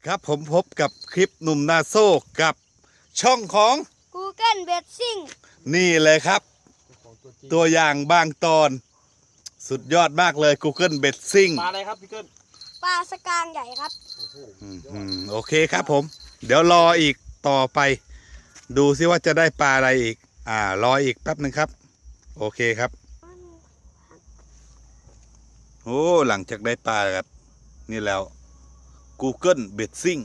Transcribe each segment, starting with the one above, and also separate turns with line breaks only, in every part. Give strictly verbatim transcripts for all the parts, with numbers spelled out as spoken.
ครับผมพบกับคลิปหนุ่มนาโซ่กับช่องของ
Google Betsing
นี่เลยครับ ตัวอย่างบางตอนสุดยอดมากเลย Google Betsing
ปลาอะไรครับพี่เกิ้ล
ปลาสกางใหญ่ครับ
อืมโอเคครับผม เดี๋ยวรออีกต่อไป ดูซิว่าจะได้ปลาอะไรอีก อ่ารออีกแป๊บหนึ่งครับ โอเคครับโอ้หลังจากได้ปลาครับนี่แล้ว Google Betsing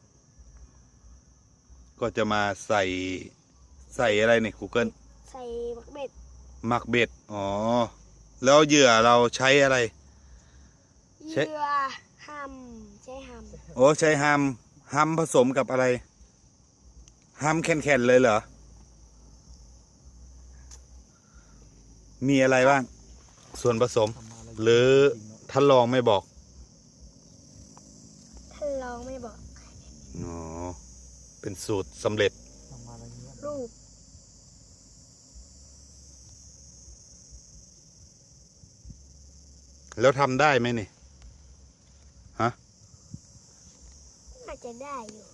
ก็จะมาใส่ใส่อะไรเนี่ย Google
ใส่บักเบ็ด
หมักเบ็ด อ๋อ แล้วเหยื่อเราใช้อะไร
เหยื่อฮัมใช้ฮัม
โอ้ใช้ฮัมฮัมผสมกับอะไรฮัมแข็งๆเลยเหรอ มีอะไรบ้าง ส่วนผสม หรือท่านลองไม่บอก
ท่านลองไม่บอก
อ๋อ เป็นสูตรสำเร็จ
รูป
แล้วทำได้ไหมนี่ ฮะ
น่าจะได้อยู่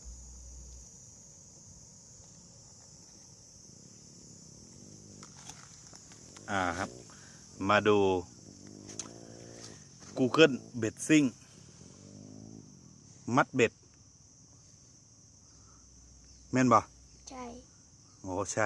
อ่าครับ มาดู Google Betsing มัดเบ็ด แม่นบ่
ใช่
โอ้ใช่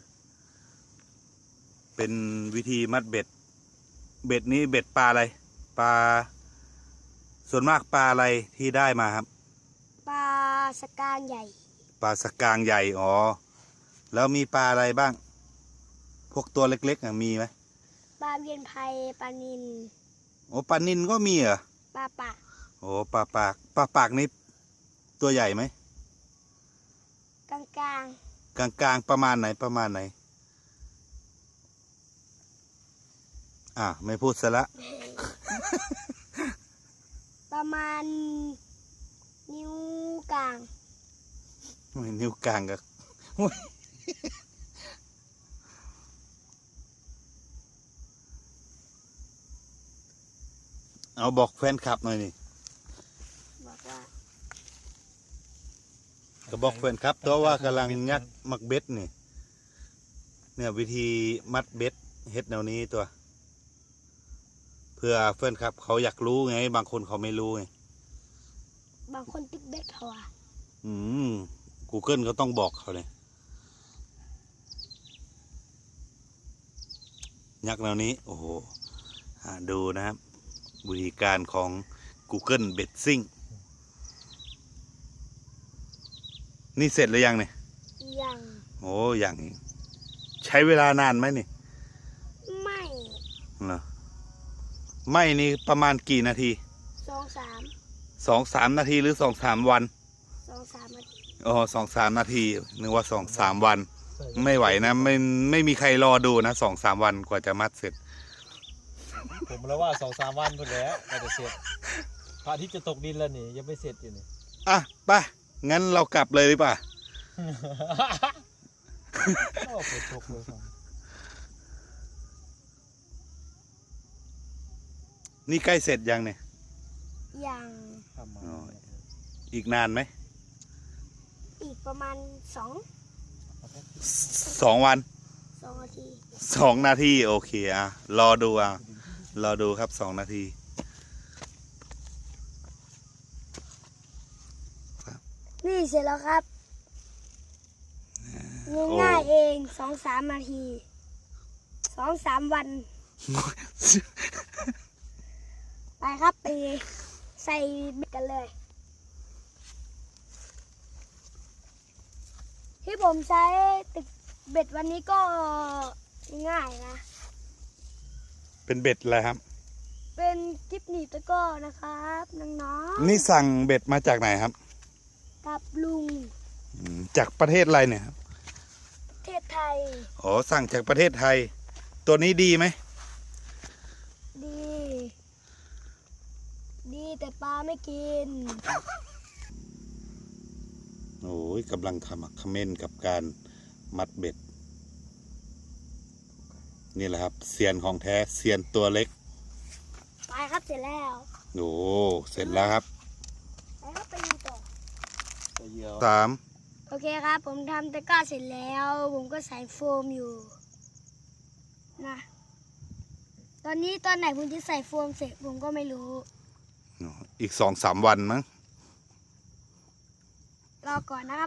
เป็นวิธีมัดเบ็ด เบ็ดนี้เบ็ดปลาอะไร ปลา ส่วนมากปลาอะไรที่ได้มาครับ
ปลาสกางใหญ่
ปลาสกางใหญ่ อ๋อ แล้วมีปลาอะไรบ้าง พวกตัวเล็กๆมีไหม
ปลาเวียนไพปลานิล
โอ้ปลานิลก็มีเหรอ
ปลาปาก
โอ้ปลาปาก ปลาปากนี่ตัวใหญ่ไหม
กลางกลาง
กลางๆประมาณไหนประมาณไหน อ่าไม่พูดซะละ
ๆประมาณนิ้วกลาง
ไม่นิ้วกลางกับ เอาบอกแฟนคลับหน่อยนี่
บอกว่า
ก็บอกแฟนคลับตัวว่ากำลังงัดมักเบ็ดนี่ เนี่ยวิธีมัดเบ็ดเฮ็ดแนวนี้ตัว เพื่อแฟนคลับเขาอยากรู้ไง บางคนเขาไม่รู้ไง
บางคนติ๊กเบ็ดเขาอะ
อืม Google ก็ต้องบอกเขาเลยยักษ์แนวนี้ โอ้โหอ่าดูนะครับ วิธีการของ Google Betsing นี่เสร็จหรือยังเนี่ย
ยัง
โอ้ยังอีกใช้เวลานานไหมนี่
ไม่
เหรอไม่นี่ประมาณกี่นาที
สองสาม
สองสามนาทีหรือสองสามวัน
สองสามนาที
อ๋อสองสามนาทีนึกว่าสองสามวัน ไม่ไหวนะ ไม่ไม่มีใครรอดูนะสองสามวันกว่าจะมัดเสร็จ
ผมแล้วว่าสองสามวันพอแล้วก็จะเสร็จพระอาทิตย์จะตกดินแล้วนี่ยังไม่เสร็จอยู่นี่
อ่ะไปงั้นเรากลับเลยหรือเปล่า
โอ้ฝนตกเลยครับ
นี่ใกล้เสร็จยังเนี่ย
ยัง
ทำมา
อ๋อ อีกนานไหม
อีกประมาณสอง
สองวัน
สองนาที
สองนาทีโอเคอ่ะรอดูอ่ะรอดูครับสองนาที
นี่เสร็จแล้วครับง่ายๆเองสองสามนาทีสองสามวัน ไปครับไปใส่เบ็ดกันเลย ที่ผมใช้ตึกเบ็ดวันนี้ก็ง่ายนะ
เป็นเบ็ดอะไรครับ
เป็นกิ๊บหนีบตะกร้อนะครับน้องๆ
นี่สั่งเบ็ดมาจากไหนครับ
กับลุง
อืมจากประเทศอะไรเนี่ยครับ
ประเทศไทย
อ๋อสั่งจากประเทศไทย ตัวนี้ดีไหม
ดี ดีแต่ปลาไม่กิน
โอ้ยกำลังทำคอมเมนต์กับการมัดเบ็ด นี่แหละครับเซียนของแท้เซียนตัวเล็ก
ไปครับเสร็จแล้ว
โอ้เสร็จแล้วครับ
ไปครับไปดูต่อ
เหยื่อ
สาม
โอเคครับ ผมทำตะกร้าเสร็จแล้ว ผมก็ใส่โฟมอยู่นะตอนนี้ตอนไหนผมจะใส่โฟมเสร็จผมก็ไม่รู้
อีกสองสามวันมั้ง
รอก่อนนะครับ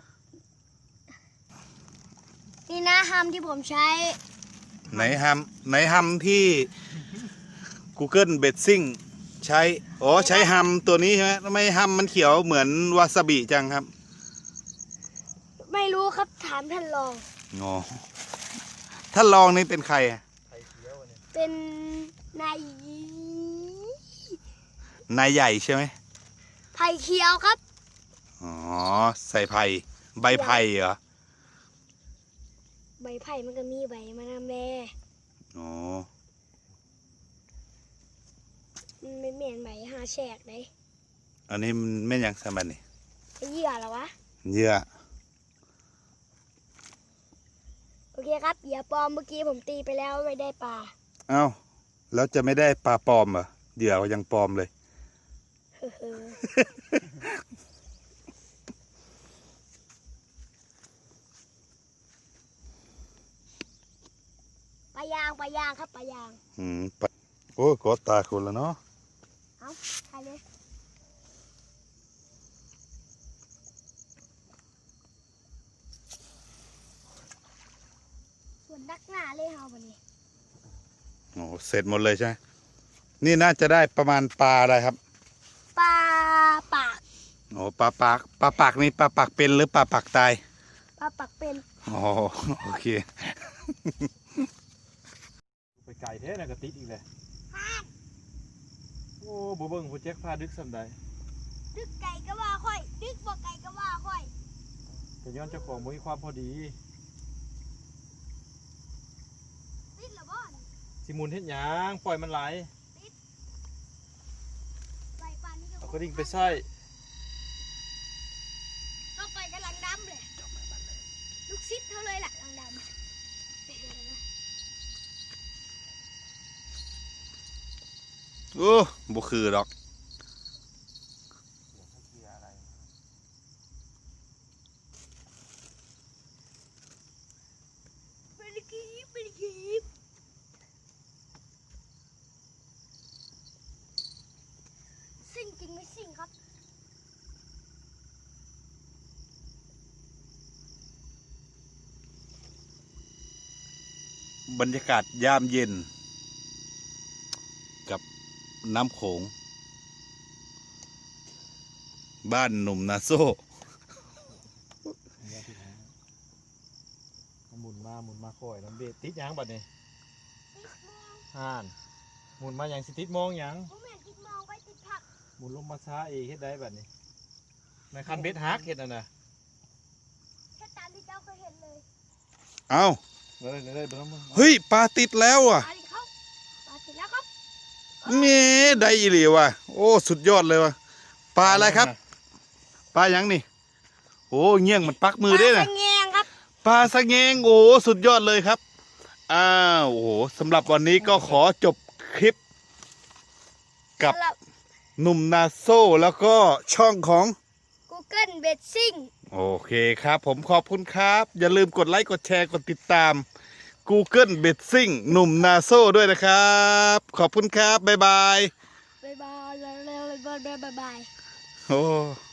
นี่นะฮัมที่ผมใช้
ไหนฮัมไหนฮัมที่ Google b e t s i n g ใช้อ๋อใช้ฮัมตัวนี้ใช่ไหมทำไมฮัมมันเขียวเหมือนวาซาบิจังครับ
ไม่รู้ครับถามท่านรอง
อ๋อถ้าลองนี่เป็นใครอะ
ไข่เขียวเนี่ย
เป็นนาย
นายใหญ่ใช่ไหม
ไผ่เขียวครับ
อ๋อใส่ไผ่ใบไผ่เหรอ
ใบไผ่มันก็มีใบมะนาวแม่
อ๋อ
มันไม่เหม็นใบหาแฉกเลย
อันนี้มันไม่นยังสมันนี่
ไอ้เหยื่อเหรอวะ
เยื่อ
โอเคครับเหยื่อปลอมเมื่อกี้ผมตีไปแล้วไม่ได้ปลา
เอ้าแล้วจะไม่ได้ปลาปลอมเหรอเหยื่อยังปลอมเลย
เฮ้อปลายางปลายางครับปลายาง
อืมปะโอ้ยกอดตาคนแล้วเนาะ
เอาใครเลยส่วนดักหน้าเลยเฮาวันนี้
โอ้เสร็จหมดเลยใช่ไหมนี่น่าจะได้ประมาณปลาอะไรครับ
ปลาปาก
โอ้ปลาปากปลาปากนี่ปลาปากเป็นหรือปลาปากตาย
ปลาปักเป็น
อ๋อโอเค
ไปไก่แท้น่ะก็ติดอีกเลยโอ้บ่เบิ่งผู้แจ็คพาดึกสำใด
ดึกไก่ก็ว่าค่อย ดึกบ่ไก่ก็ว่าค่อย
แต่ย้อนเจ้าของบ่มีความพอดี
ติดเหรอบ่อน
สิหมุนเฮ็ดหยังปล่อยมันไหล
ใส่ปลานี่
เอากระดิ่งไปใส่
ก็ไปกำลังดำเลยลูกซิดเท่าเลยล่ะลังดำ
โอ้บ่คือดอก
ไม่ได้กีบไม่ได้กีบซิ่งจริงไม่ซิ่งครับ
บรรยากาศยามเย็น กับน้ำโขง บ้านหนุ่มนาโซ่
หมุนมาหมุนมาค่อยน้ำเบ็ดติดหยังบัดนี้ห่านหมุนมาหยังสิติดมองหยัง
ผมเห็นติดมองไปติดผัก
หมุนลงมาช้าเองเฮ็ดได้บัดนี้ในคันเบ็ดฮักเฮ็ดนั่นน่ะ
แค่ตามที่เจ้าเคยเห็นเลย
เอ้า
เลยเลยเลยเบิ่งมึง
เฮ้ยปลาติดแล้วอ่ะ
ปลาดิเขาปลาติดแล้วครับ
เมได้อีหลีว่ะ โอ้สุดยอดเลยว่ะ ปลาอะไรครับ ปลาหยังนี่ โอ้เงี้ยงมันปักมือได้
ป
นะ
ลาสะแงงครับ
ปลาสะเงงโอ้สุดยอดเลยครับ อ้าวโอ้โหสำหรับวันนี้ก็ขอจบคลิป กับ
สำหรับ
หนุ่มนาโซ่แล้วก็ช่องของ
Google b e t s i n g
โอเคครับผมขอบคุณครับ อย่าลืมกดไลค์กดแชร์กดติดตาม Google b e t s i n g หนุ่มนาโซ่ด้วยนะครับ ขอบคุณครับ บ๊ายบาย
บ๊ายบายบ๊ายบายบ๊ายบายบ๊ายบาย
โอ้